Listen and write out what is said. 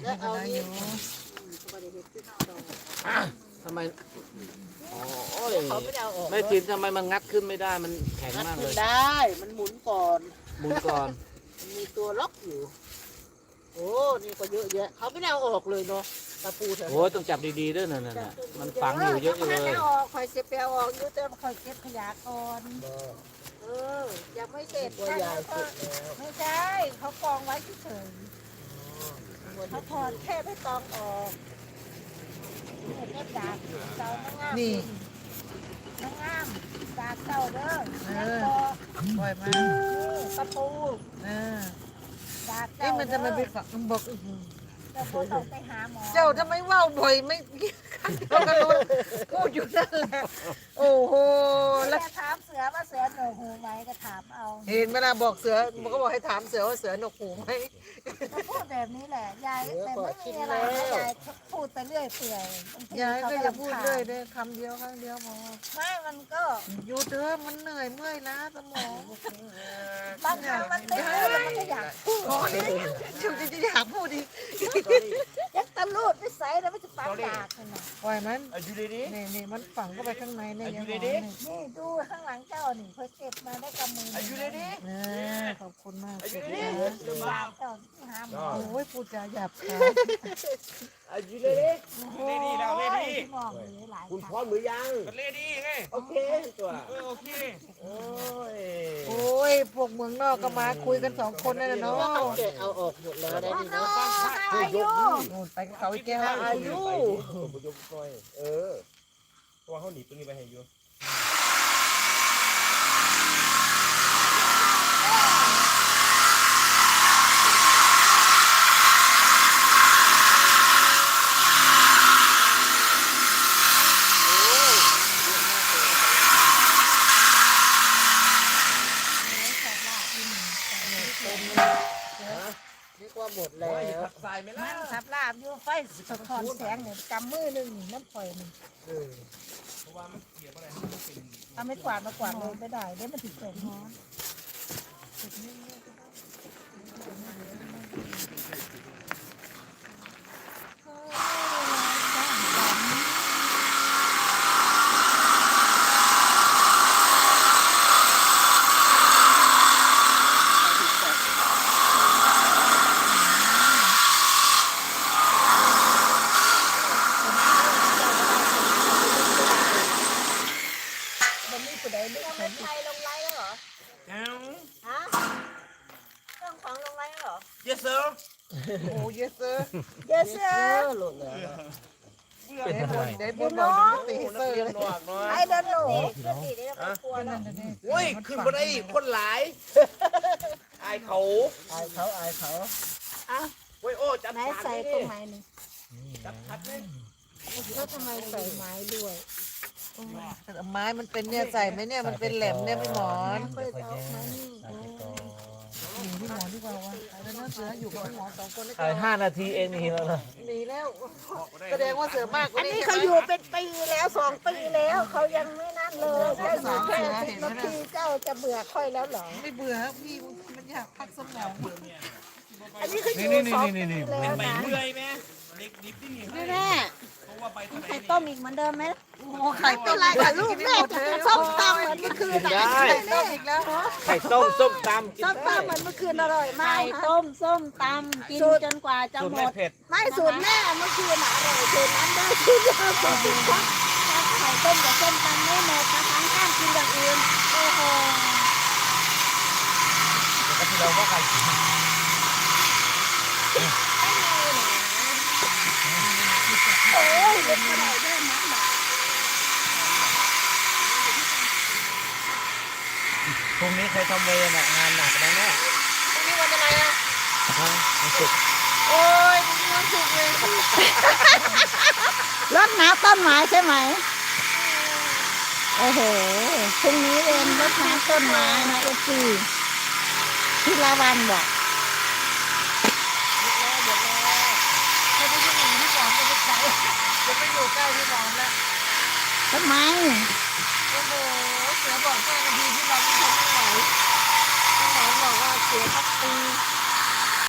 แล้วเอานี่ทำไมโอ้ยเขาไม่ได้เอาออกไม่ทินทำไมมันงัดขึ้นไม่ได้มันแข็งงัดมากเลขึ้นยได้ มันหมุนก่อนหมุนก่อนมันมีตัวล็อกอยู่ โอ้นี่ก็เยอะแยะเขาไม่ได้เอาออกเลยเนาะตะปูแถวโอ้ยต้องจับดีๆด้วยน่ะมันฝังอยู่เยอะเลยไม่ออกคอยเสียเปลวออกอยู่แต่คอยเก็บขยะก่อนยังไม่เสร็จตัวใหญ่เสร็จแล้วไม่ใช่เขากองไว้เฉยๆเขาถอดแค่ไม่ตองออกเก็บดาบเจ้าน้ำงามนี่น้ำงามดาบเจ้าเด้อแล้วก็ปล่อยมาตะปู ดาบเอ้เจ้ามันจะมาไปฝังบอกเจ้าบ่ต้องไปหาหมอเจ้าทำไมว่าวบ่อยไม่เราก็รู้พูดอยู่นั่นแหละโอ้โหแล้แล้ว วถามเสือว่าเสือหนูหูไหมก็ถามเอาเห็นเวลาบอกเสือมันก็บอกให้ถามเสือว่าเสือหนวกหูไหมก็พูดแบบนี้แหละยายแต่ไม่มีอะไรนะยายพูดไปเรื่อยเปื่อยบางทียายเขาก็ก็อย่าพูรำดคาเรื่อยญเด้อคำเดียวครั้งเดียวพอไม่มันก็อยู่เด้อมันเหนื่อยเมื่อยล้าสมองบางครั้งมันไม่รู้แล้วมันก็อยากพูดพอเลยจะอยากพูดอีกยักตะลูดไม่ใส่แล้วมันจะปังดากเลยนะปล่อยมันอยู่ดีนี่มันฝังเข้าไปข้างในเนี่ยยังหอมนี่ดูข้างหลังเจ้านี่เพิ่งเก็บมาได้กำมืออยู่ดีขอบคุณมากอยู่ดีดาบเจ้าที่หาหมอโอ้ยพูดจาหยาบคายอยู่ดีโอ้ยที่มองเลยหลายคุณคพร้อรั้งมหรือยังก็เลดี้ไงโอเคตัวโอเคโอ้ยโอ้ยพวกเมืองนอกก็มาคุยกันสองคนนั่นแหละเนาะเก็บเอาออกหมดแล้วได้ดีเนาะนู่นไปกับเขาอีกแก้วอายุผมยกก้อยเพราะว่าเขาหนีตรงนี้ไปให้อยู่นึกว่าหมดแล้วใส่ไม่มัล่ะนทับลาบอยู่ไฟสะท้อนแสงเนี่ยกำมือหนึ่งนี่น้ำปล่อยหนึ่งเพราะว่ามันเกี่ยวอะไรมันเป็นเอาไม่กวาดมากวาดเลยไม่ได้เดี๋ยวมันถึงเกิดฮ้อน มันมีผู้ใดไม่เห็นไทยลงไลน์แล้วเหรอแก้วฮะเรื่องของลงไลน์แล้วเหรอ yes sir โอ้ยเซอร์เยสเซอร์หลุดแล้วได้บนบอกตีเซอร์เลยหนวกน้อยไอ้เดินหนูก็ดีเดี๋ยวไม่กลัวแล้วโอ้ยขึ้นมาได้คนหลายอายเขาอายเขาโอ้ยโอ้จับไหนใส่ตรงไหนนี่จับทัดเลยแล้วทำไมใส่ไม้ด้วยไม้มันเป็นเนี่ยใส่ไหมเนี่ยมันเป็นแหลมเนี่ยพี่หมอนเปิดเอามานี่หนีพี่หมอนดีกว่าวะแล้วน่าเสืออยู่กับพี่หมอนสองคนนี่ถ่าย5 นาทีเองนี่แล้วนะหนีแล้วแสดงว่าเสือมากกว่าอันนี้นี้เขาอยู่เป็นปีแล้ว2 ปีแล้วเขายังไม่นั่นเลยแค่อยู่แค่10 นาทีเจ้าจะเบื่อค่อยแล้วเหรอไม่เบื่อครับพี่มันอยากพักสมองอันนี้เขาอยู่2 ปีแล้วใบนะเมื่อยไหมเด็กดิบที่นี่นี่แม่เพราะว่าใบทะเลไข่ต้มอีกเหมือนเดิมไหมโอ้ไข่ต้มอะไรกับลูกแม่จะส้มตำเหมือนเมื่อคืนได้ต้มอีกแล้วไข่ต้มส้มตำกินส้มได้ตำเหมือนเมื่อคืนอร่อยมากไข่ต้มส้มตำกินจนกว่าจะสูตรหมไม่ดเผ็ดไม่สูตรแม่เมื่อคืนอร่อยสูตรนั้นได้สูตรเดียวสูตรเดียวไข่ต้มกับส้มตำไม่หมดนะคะห้ามกินอย่างอื่นโอ้โหก็ที่เราก็ไข่โอ้ยเด็กมาได้ได้มากหนาพรุ่งนี้ใครทำเวรน่ะงานหนักนะเนี่ยพรุ่งนี้วันอะไรอ่ะฮะมันสุกร์โอ้ยพรุ่งนี้วันศุกร์เลยรดน้ำต้นไม้ใช่ไหมโอ้โหพรุ่งนี้เรียนรดน้ำต้นไม้นะเอฟซีที่ลาวันบอกจะไปอยู่พี่หมอนจะไปไกลจะไปอยู่ใกล้พี่หมอนแล้วทำไมโอ้โหเสือบอก5 นาทีที่เราไม่ทนไม่ไหวพี่หมอนบอกว่าเสือพักตี